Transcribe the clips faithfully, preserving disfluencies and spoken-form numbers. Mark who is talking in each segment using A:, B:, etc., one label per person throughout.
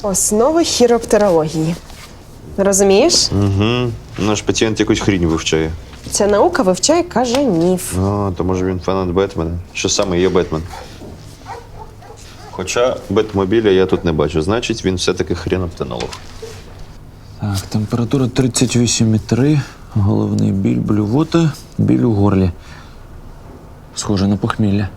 A: Основи хіроптерології. Розумієш?
B: Угу. Наш пацієнт якусь хрінь вивчає.
A: Ця наука вивчає кажанів.
B: А, то може він фанат Бетмена. Що саме є Бетмен? Хоча Бетмобіля я тут не бачу. Значить, він все-таки хріноптенолог.
C: Так, температура тридцять вісім і три, головний біль, блювота, біль у горлі. Схоже на похмілля.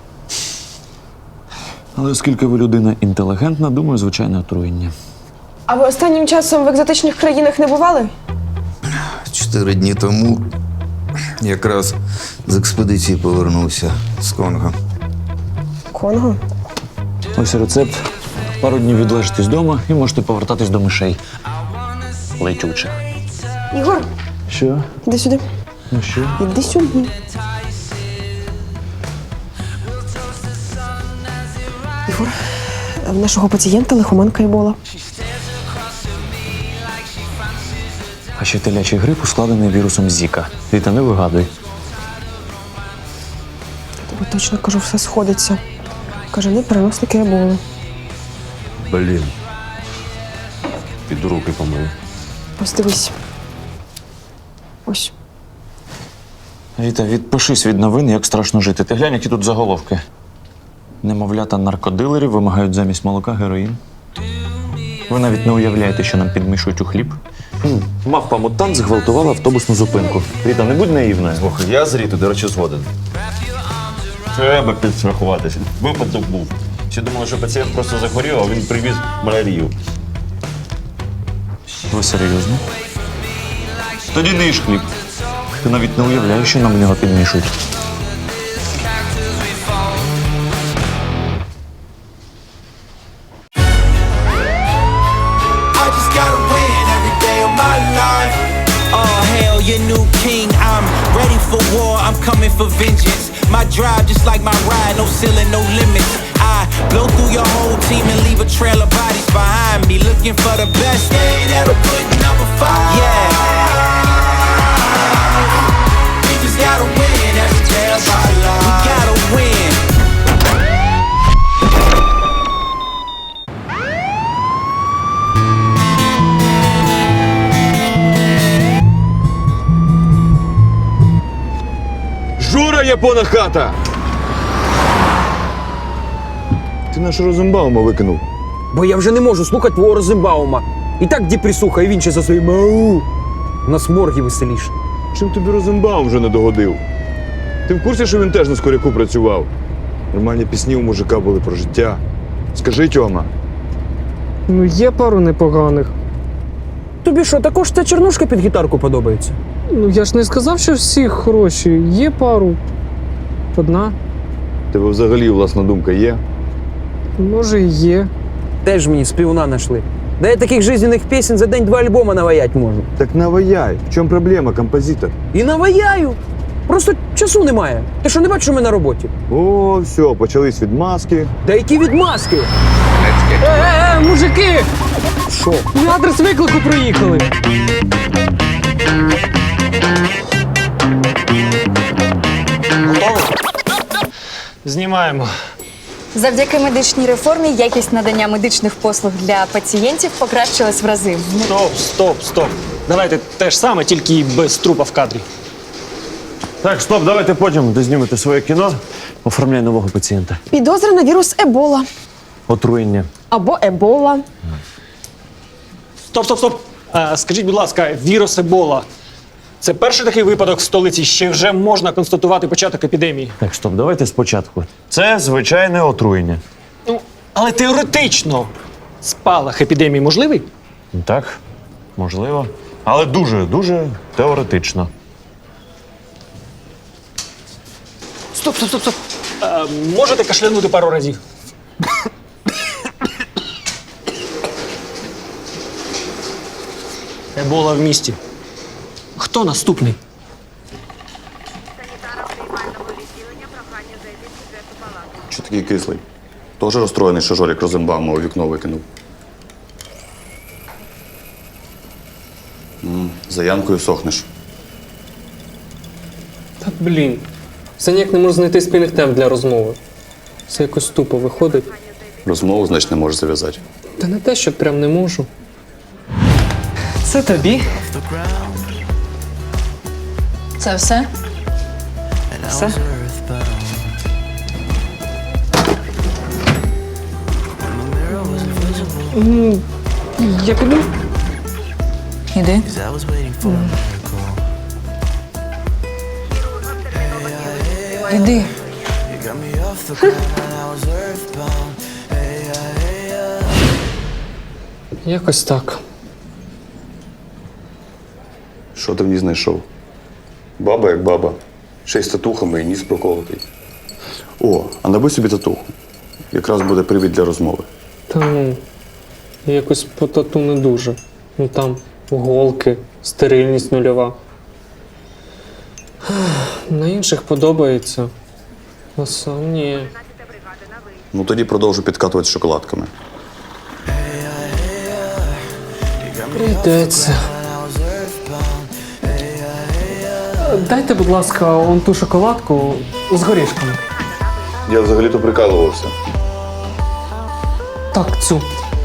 C: Але оскільки ви людина інтелігентна, думаю, звичайне отруєння.
A: А ви останнім часом в екзотичних країнах не бували?
D: Чотири дні тому якраз з експедиції повернувся з Конго.
A: Конго?
C: Ось рецепт. Пару днів відлежитесь вдома і можете повертатись до мишей. Летючих.
A: Ігор,
C: Що?
A: іди сюди.
C: Ну що?
A: Іди сюди. Ігор, в нашого пацієнта лихоманка Ебола.
C: А ще телячий грип ускладений вірусом Зіка. Віта, не вигадуй.
A: Тобі точно кажу, все сходиться. Кажани переносники Еболи.
B: Блін. Піду руки помию.
A: Ось дивись. Ось.
C: Віта, відпишись від новин, як страшно жити. Ти глянь, які тут заголовки. Немовлята наркодилерів вимагають замість молока героїн. Ви навіть не уявляєте, що нам підмішують у хліб. Мавпа-мутант зґвалтувала автобусну зупинку. Віта, не будь наївною.
B: Слухай, я з Рітою, до речі, згоден. Треба підстрахуватися. Випадок був. Всі думали, що пацієнт просто захворів, а він привіз малярію.
C: Ви серйозно? Тоді не їж хліб. Ти навіть не уявляєш, що нам в нього підмішують.
E: Your new king, I'm ready for war, I'm coming for vengeance. My drive just like my ride, no ceiling, no limits. I blow through your whole team and leave a trail of bodies behind me. Looking for the best, yeah, that'll put number five. Yeah. We just gotta win every day of our lives. We gotta win.
B: Жура, япона хата! Ти наш Розенбаума викинув.
F: Бо я вже не можу слухати твого Розенбаума. І так діпрісуха, і він ще за своїм ау. У нас морги веселіше.
G: Чим тобі Розенбаум вже не догодив? Ти в курсі, що він теж на Скоряку працював? Нормальні пісні у мужика були про життя. Скажи, Тьома.
H: Ну, є пару непоганих.
F: Тобі що, також ця чернушка під гітарку подобається?
H: Ну, я ж не сказав, що всі хороші. Є пару. Одна.
G: Тебе взагалі власна думка є?
H: Може, і є.
F: Теж мені співуна знайшли. Да я таких жизненних пісень за день два альбома наваять можу.
G: Так наваяй. В чому проблема, композитор?
F: І наваяю. Просто часу немає. Ти що, не бачиш, що ми на роботі?
G: О, все, почались відмазки.
F: Та які відмазки?
H: Е-е-е, мужики!
F: Що?
H: На адрес виклику приїхали.
I: Знімаємо.
J: Завдяки медичній реформі якість надання медичних послуг для пацієнтів покращилась в рази.
I: Стоп, стоп, стоп. Давайте те ж саме, тільки без трупа в кадрі.
C: Так, стоп, давайте потім дознімете своє кіно. Оформляй нового пацієнта.
A: Підозра на вірус Ебола.
C: Отруєння.
A: Або Ебола.
I: Стоп, стоп, стоп. А, скажіть, будь ласка, вірус Ебола. Це перший такий випадок в столиці, ще вже можна констатувати початок епідемії.
C: Так, стоп, давайте спочатку. Це звичайне отруєння.
I: Ну, але теоретично спалах епідемії можливий?
C: Так, можливо. Але дуже, дуже теоретично.
I: Стоп, стоп, стоп, стоп. А, можете кашлянути пару разів? Ебола в місті. Хто наступний?
K: Що такий кислий? Теж розстроєний, що Жорік Розенбаума у вікно викинув. М, За Янкою сохнеш.
H: Та блін. Все ніяк не можу знайти спільних тем для розмови. Все якось тупо виходить.
K: Розмову, значить, не можеш зав'язати.
H: Та не те, що прям не можу. Це тобі.
J: Це все?
H: Все. М, Я піду.
J: Іди. Іди.
H: Якось так.
K: Що ти в ній знайшов? Баба як баба. Ще й з татухами і ніс проколотий. О, а набий собі татуху. Якраз буде привід для розмови.
H: Та ну, якось по тату не дуже. Ну там голки, стерильність нульова. На інших подобається. А сам ні.
K: Ну тоді продовжу підкатувати з шоколадками.
H: Прийдеться. Дайте, будь ласка, он ту шоколадку з горішками.
K: Я взагалі-то прикалувався.
H: Так, цю.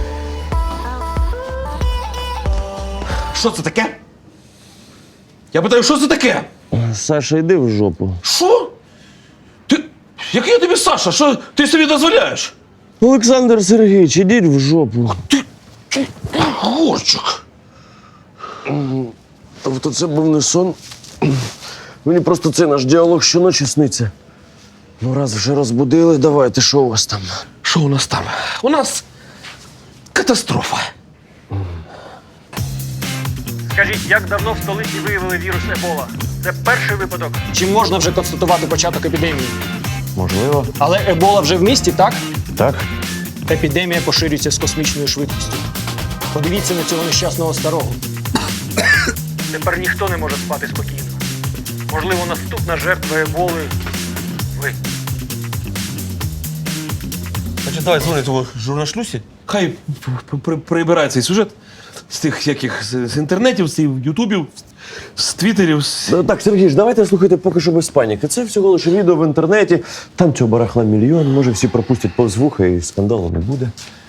L: Що це таке? Я питаю, що це таке?
C: Саша, йди в жопу.
L: Що? Ти. Який я тобі Саша? Що ти собі дозволяєш?
C: Олександр Сергійович, ідіть в жопу.
L: Горчик.
C: Тобто це був не сон. Мені просто цей наш діалог щоночі сниться. Ну, раз вже розбудили, давайте, що у вас там?
L: Що у нас там? У нас катастрофа.
I: Скажіть, як давно в столиці виявили вірус Ебола? Це перший випадок. Чи можна вже констатувати початок епідемії?
C: Можливо.
I: Але Ебола вже в місті, так?
C: Так?
I: Епідемія поширюється з космічною швидкістю. Подивіться на цього нещасного старого. Тепер ніхто не може спати спокійно. Можливо, наступна жертва Еболи – ви.
L: Значить, давай дзвони того журнашлюсі. Хай п- п- прибирає цей сюжет з тих яких з, з інтернетів, з ютубів, з твіттерів. З...
C: Ну, так, Сергій, давайте слухайте поки що без паніки. Це всього лише відео в інтернеті. Там цього барахла мільйон, може всі пропустять повз вуха і скандалу не буде.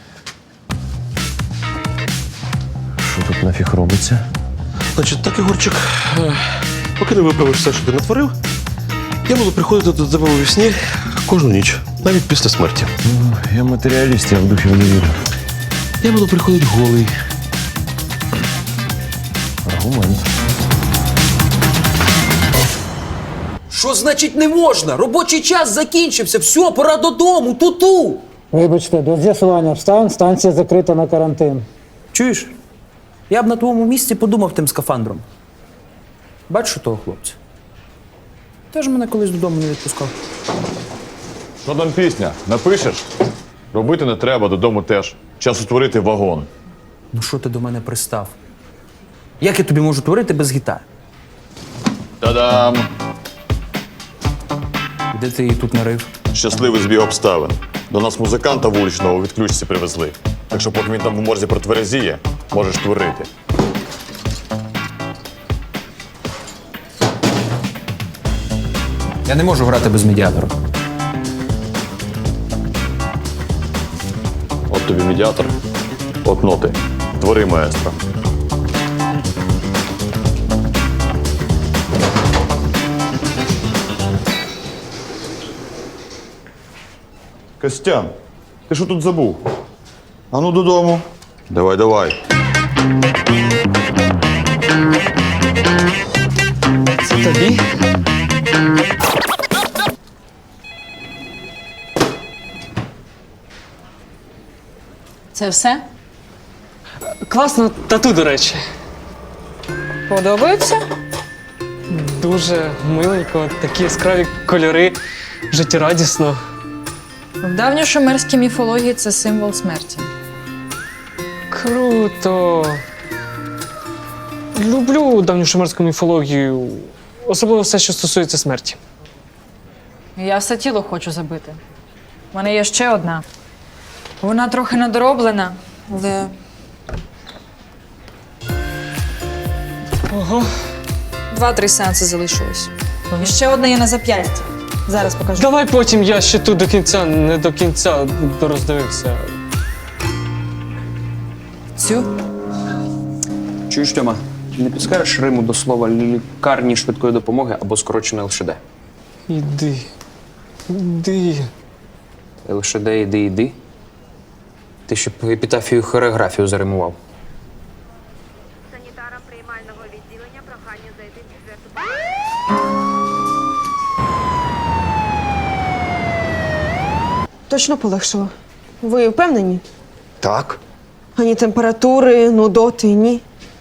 C: Що тут нафіг робиться?
L: Значить, так, Ігорчик, е, поки не виправиш все, що ти натворив, я буду приходити до тебе у вісні кожну ніч, навіть після смерті.
C: Ну, я матеріаліст, я в духів не вірю.
L: Я буду приходити голий.
C: Аргумент.
F: Що значить не можна? Робочий час закінчився. Все, пора додому, ту-ту.
M: Вибачте, до з'ясування обставин станція закрита на карантин.
F: Чуєш? Я б на твоєму місці подумав тим скафандром. Бачиш того хлопця? Теж мене колись додому не відпускав.
G: Що там пісня? Напишеш? Робити не треба, додому теж. Час утворити вагон.
F: Ну що ти до мене пристав? Як я тобі можу творити без гітари?
G: Та-дам!
F: Де ти її тут нарив?
G: Щасливий збіг обставин. До нас музиканта вуличного у відключці привезли. Так що поки він там в морзі протверезіє, можеш творити.
F: Я не можу грати без медіатора.
G: От тобі медіатор, от ноти. Твори, маестро. Костян, ти що тут забув? Ану додому. Давай, давай.
H: Це тобі?
J: Це все?
H: Класно тату, до речі.
J: Подобається?
H: Дуже миленько, такі яскраві кольори, життєрадісно.
J: В давньошумерській міфології це символ смерті.
H: Круто. Люблю давньошумерську міфологію, особливо все, що стосується смерті.
J: Я все тіло хочу забити. У мене є ще одна. Вона трохи недороблена, але
H: Ого.
J: два-три сеанси залишилось. І ще одна є на зап'ясті. Зараз покажу.
H: Давай потім я ще тут до кінця, не до кінця дороздивився.
J: Цю?
F: Чуєш, Тьома, не підскажеш Риму до слова лікарні швидкої допомоги або скорочено ел ше де?
H: Іди. Іди.
F: ел ше де, іди, іди. Ти ще б епітафію хореографію заримував.
N: Санітарам приймального відділення прохання зайти в четверту.
A: Точно полегшило. Ви впевнені?
D: Так.
A: Ані температури, нудоти, ні.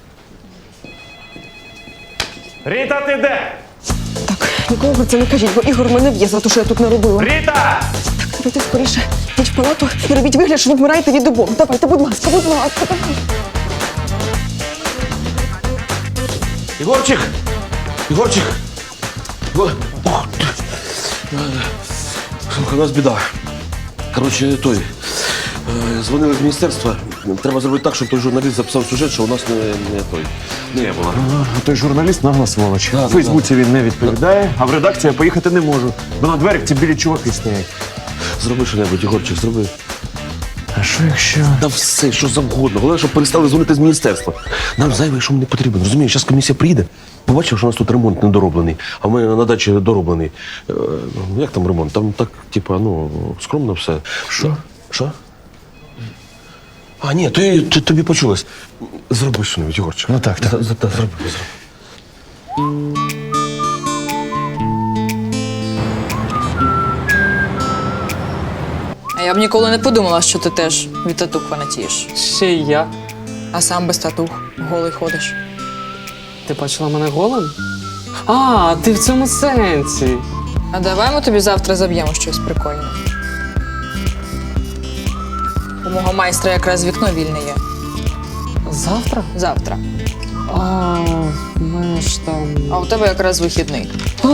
I: Ріта, ти де?
A: Так, нікому про це не кажіть, бо Ігор мене в'є за те, що я тут наробила.
I: Ріта!
A: Так, давайте скоріше. Йдіть в палату і робіть вигляд, що ви вмираєте від обох. Давайте, будь ласка, будь ласка, давайте.
L: Ігорчик! Ігорчик! О, ох, ти. Слухай, у нас біда. Коротше, той. е, Дзвонили з міністерства. Треба зробити так, щоб той журналіст записав сюжет, що у нас не, не той. Не було.
C: А той журналіст нагла сволоч.
L: Да,
C: В Фейсбуці він не відповідає, а в редакцію я поїхати не можу. Бо на дверях ці білі чуваки стоять.
L: Зроби що-небудь, Ігорчик, зроби.
C: А що якщо?
L: Та все, що завгодно. Головне, щоб перестали дзвонити з міністерства. Нам зайвий шум не потрібен. Розумієш, зараз комісія приїде. Побачив, що у нас тут ремонт недороблений, а в мене на дачі дороблений. Е, ну, як там ремонт? Там так, типа, ну, скромно все. Що? Що? А, ні, то, я- то тобі почулось. Зроби що-небудь, Ігорчик.
C: Ну так, так.
L: За- за- та, Зроби, зроби.
J: А я б ніколи не подумала, що ти теж від татух фанатієш.
H: Ще й я.
J: А сам без татух голий ходиш.
H: Ти бачила мене голим? А, ти в цьому сенсі.
J: А давай ми тобі завтра заб'ємо щось прикольне. У мого майстра якраз вікно вільне є.
H: Завтра?
J: Завтра.
H: А, в мене ж там.
J: А у тебе якраз вихідний.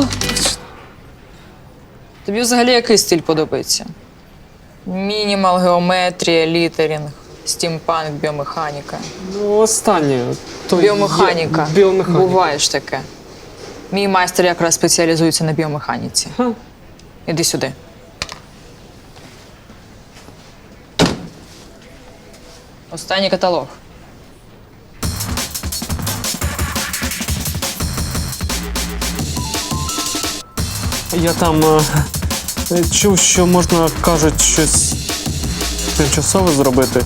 J: Тобі взагалі який стиль подобається? Мінімал, геометрія, літерінг, стімпанк, біомеханіка.
H: Ну, останнє. То
J: Біомеханіка.
H: є- Біомеханіка.
J: Буває ж таке. Мій майстер якраз спеціалізується на біомеханіці.
H: Ха.
J: Іди сюди. Останній каталог.
H: Я там е, чув, що можна, кажуть, щось тимчасове зробити.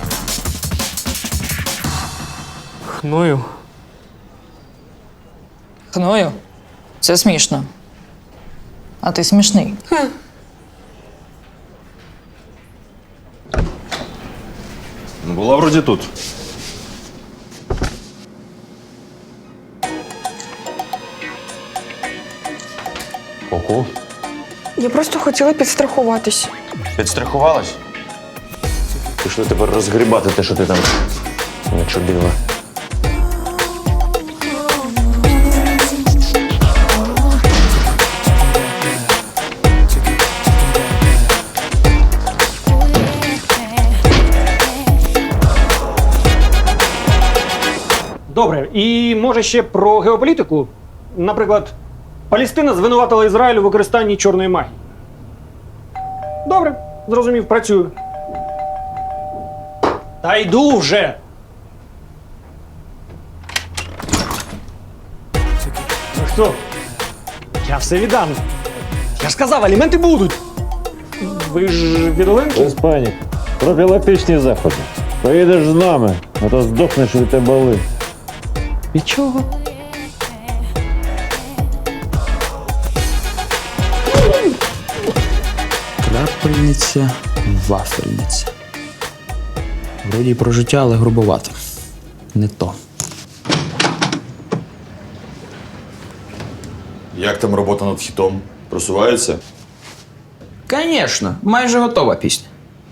H: Хною.
J: Хною? Це смішно. А ти смішний.
B: Була вроді тут.
C: Ого.
A: Я просто хотіла підстрахуватись.
C: Підстрахувалась? Пішли тепер розгрібати те, що ти там начудила.
I: Добре, і може ще про геополітику? Наприклад, Палестина звинуватила Ізраїль у використанні чорної магії. Добре, зрозумів, працюю. Та йду вже. Ну що? Я все віддам. Я ж сказав, аліменти будуть. Ви ж від Оленки?
M: Без панік. Профілактичні заходи. Поїдеш з нами, а то здохнеш від тебе.
H: Від чого?
F: Крапельниця, вафельниця. Вроді й про життя, але грубовато. Не то.
G: Як там робота над хітом? Просувається?
F: Звісно, майже готова пісня.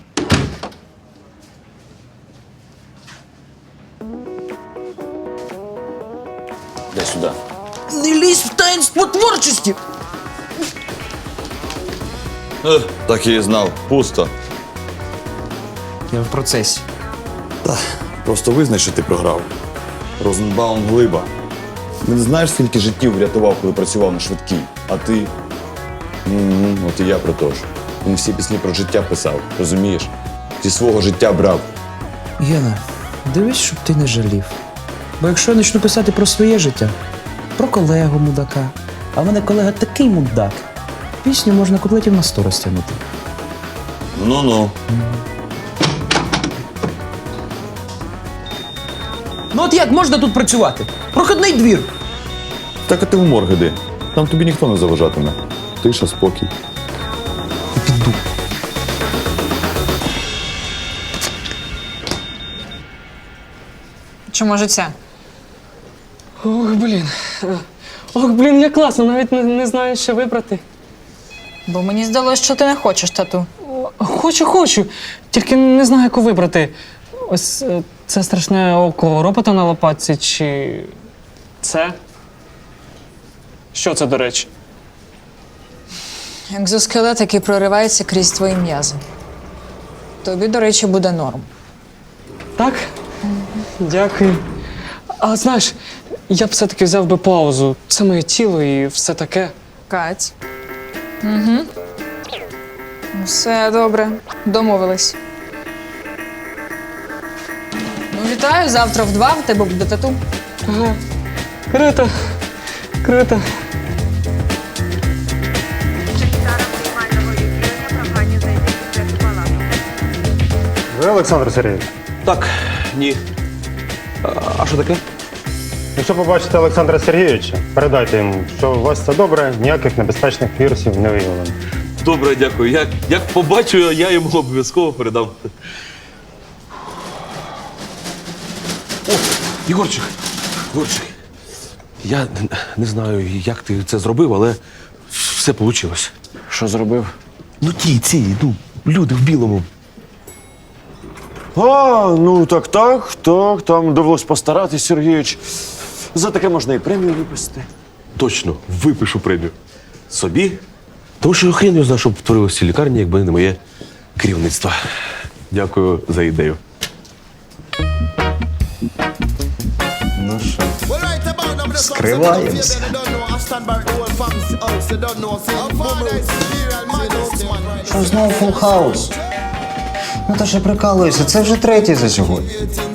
C: Дай сюди.
F: Не лізь в таїнство творчості!
G: Ех, так і знав. Пусто.
F: Я в процесі.
G: Просто визнай, що ти програв. Розенбаум глиба. Він знаєш, скільки життів врятував, коли працював на швидкій. А ти. М-м, от і я про то ж. Він всі пісні про життя писав, розумієш? Зі свого життя брав.
F: Гена, Дивись, щоб ти не жалів. Бо якщо я почну писати про своє життя, про колегу мудака, а в мене колега такий мудак, пісню можна куплетів на сто розтягнути.
G: Ну-ну.
F: Ну от як можна тут працювати? Проходний двір.
G: Так а ти в морг іди. Там тобі ніхто не заважатиме. Тиша, спокій.
J: Чи може ця?
H: Ох, блін. Ох, блін, як класно, навіть не, не знаю, що вибрати.
J: Бо мені здалося, що ти не хочеш тату.
H: Хочу, хочу. Тільки не знаю, яку вибрати. Ось е, це страшне око робота на лопатці, чи це? Що це, до речі?
J: Екзоскелет, який проривається крізь твої м'язи. Тобі, до речі, буде норм.
H: Так? Дякую. А знаєш, я б все-таки взяв би паузу. Це моє тіло і все таке.
J: Кать. Угу. Все добре. Домовились. Ну, вітаю, завтра в два в тебе буде тату.
H: Ага. Круто. Круто.
N: Санітарам приймального відділення прохання зайти в четверту палату.
M: Ви Олександр Сергійович?
L: Так, ні. А, а що таке?
M: Якщо побачите Олександра Сергійовича, передайте йому, що у вас все добре, ніяких небезпечних вірусів не виявлено.
L: Добре, дякую. Як, як побачу, я йому обов'язково передам. О, Єгорчик, Єгорчик. Я н- не знаю, як ти це зробив, але все вийшло.
C: Що зробив?
L: Ну ті, ці, ну, люди в білому.
C: А, ну так, так, так, там довелось постаратись, Сергійович. За таке можна і премію виписати.
L: Точно, випишу премію. Собі. Тому що хрен його знає, що б творилося в цій лікарні, якби не моє керівництво. Дякую за ідею.
D: Ну що, скриваємося.
O: Що знову фул хаус? Ну то що прикалуюся, це вже третій за сьогодні.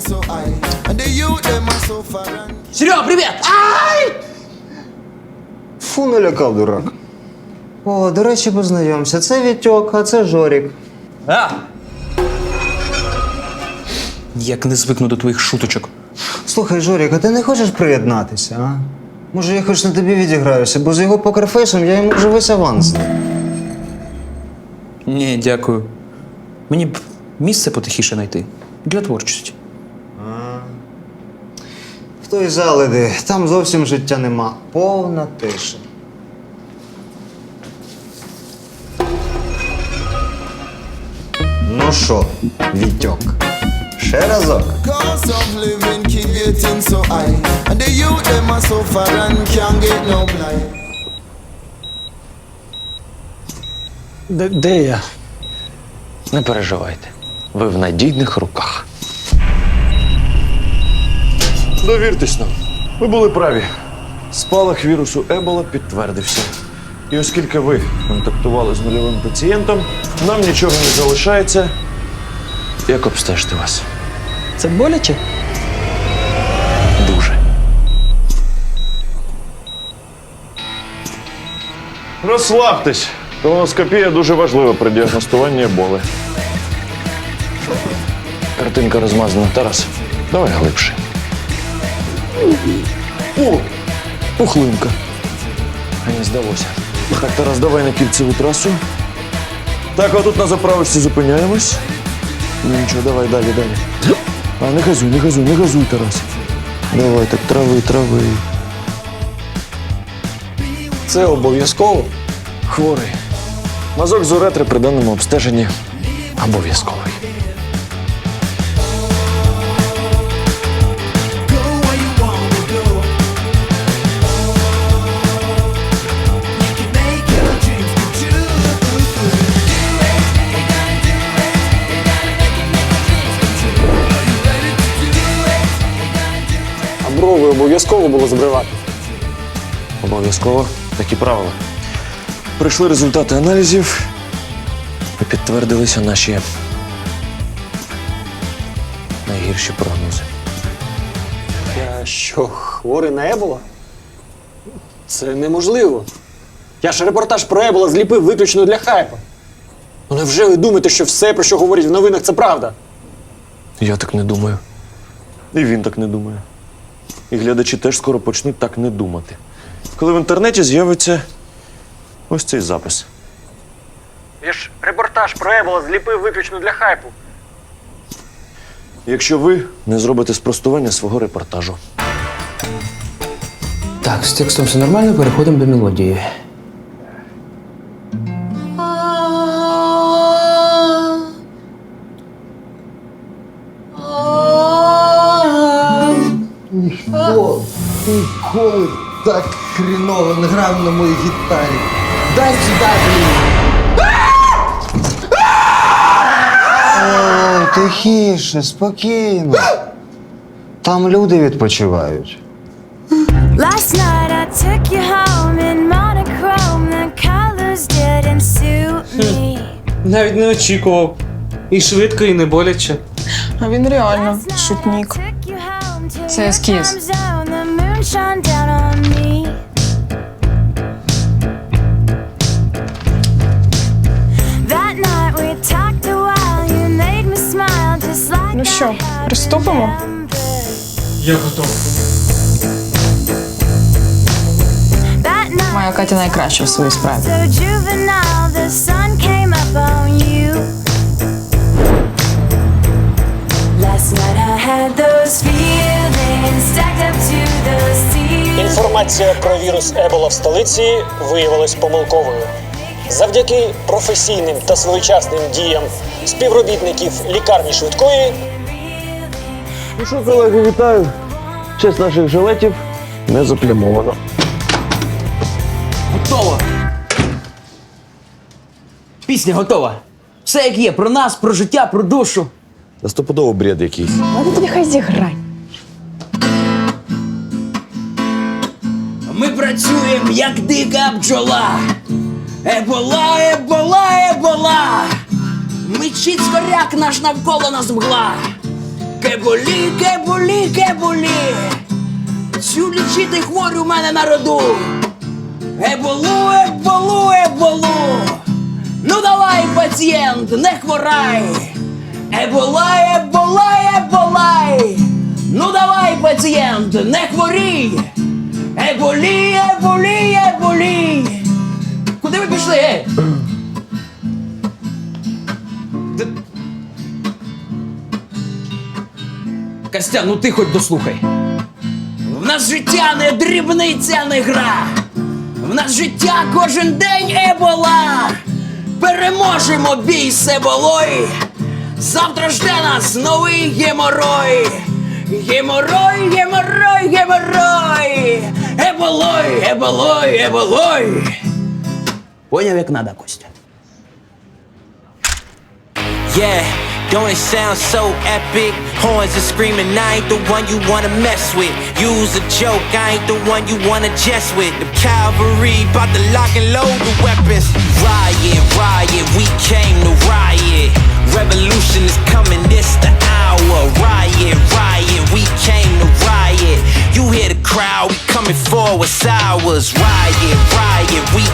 F: Серега, привіт! Ай!
O: Фу, налякав, дурак. О, до речі, познайомся. Це Вітьок, а це Жорік.
F: А! Як не звикну до твоїх шуточок.
O: Слухай, Жорік, а ти не хочеш приєднатися, а? Може, я хоч на тобі відіграюся, бо з його покерфейсом я йому вже весь аванс здав.
F: Ні, дякую. Мені б місце потихіше знайти. Для творчості.
O: В той зал іди, там зовсім життя нема. Повна тиша. Ну що, Вітьок, ще разок.
C: Де, де я? Не переживайте. Ви в надійних руках. Довіртесь нам. Ви були праві. Спалах вірусу Ебола підтвердився. І оскільки ви контактували з нульовим пацієнтом, нам нічого не залишається, як обстежити вас.
F: Це боляче?
C: Дуже. Розслабтесь. Колоноскопія дуже важлива при діагностуванні еболи. Картинка розмазана. Тарас, давай глибше. О! Пухлинка. А не здалося. Так, Тарас, давай на кільцеву трасу. Так, отут на заправочці зупиняємось. Ну нічого, давай далі, далі. А, не газуй, не газуй, не газуй, Тарас. Давай, так, трави, трави. Це обов'язково? Хворий. Мазок з уретри при даному обстеженні обов'язковий.
H: А брови обов'язково було збривати.
C: Обов'язково. Такі правила. Прийшли результати аналізів і підтвердилися наші
F: найгірші прогнози.
I: Я що, хворий на Ебола? Це неможливо. Я ж репортаж про Ебола зліпив виключно для хайпа. Ну невже ви думаєте, що все, про що говорять в новинах, це правда?
C: Я так не думаю. І він так не думає. І глядачі теж скоро почнуть так не думати. Коли в інтернеті з'явиться ось цей запис.
I: Я ж репортаж про Ебола зліпив виключно для хайпу.
C: Якщо ви не зробите спростування свого репортажу.
F: Так, з текстом все нормально, переходимо до мелодії.
O: Ніхто ніколи так хріново не грав на моїй гітарі. Дай сюди, блін! Ой, тихіше, спокійно. Там люди відпочивають.
N: Last night I took you home in monochrome. The colors didn't suit me.
H: Навіть не очікував. І швидко, і не боляче.
A: А він реально шутник.
J: Це ескіз.
A: Ну що, приступимо?
H: Я готовий.
J: Моя Катя найкраща в своїй справі.
I: Інформація про вірус Ебола в столиці виявилась помилковою. Завдяки професійним та своєчасним діям співробітників лікарні швидкої.
C: Ну що, колеги, вітаю. Честь наших жилетів не заплямовано.
F: Готово! Пісня готова. Все як є, про нас, про життя, про душу.
C: Та стопудово бред якийсь.
A: Ладно, тоді хай зіграй.
F: Ми працюємо, як дика бджола. Ебола, ебола, ебола. Мчить скоряк наш навколо нас мгла. Кеболі, кеболі, кеболі. Цю лічити хворю в мене на роду. Еболу, еболу, еболу. Ну давай, пацієнт, не хворай. Ебола, ебола, еболай. Ну давай, пацієнт, не хворій. Еболі, еболі, еболі. Куди ви пішли, ей? Костя, ну ти хоч дослухай. В нас життя не дрібниця, не гра. В нас життя кожен день ебола. Переможемо бій з еболою. Завтра жде нас новий геморой. Геморой, геморой, геморой. Еболой, еболой, еболой. Поняв, як надо, Костя.
E: Yeah, don't it sound so epic? Horns are screaming, I ain't the one you wanna mess with. Use a joke, I ain't the one you wanna jest with. The cavalry bout to lock and load the weapons. Riot, riot, we came to riot. Revolution is coming, this the hour. Riot, riot, we came to riot. You hear the crowd, we coming for what's ours. Riot, riot, we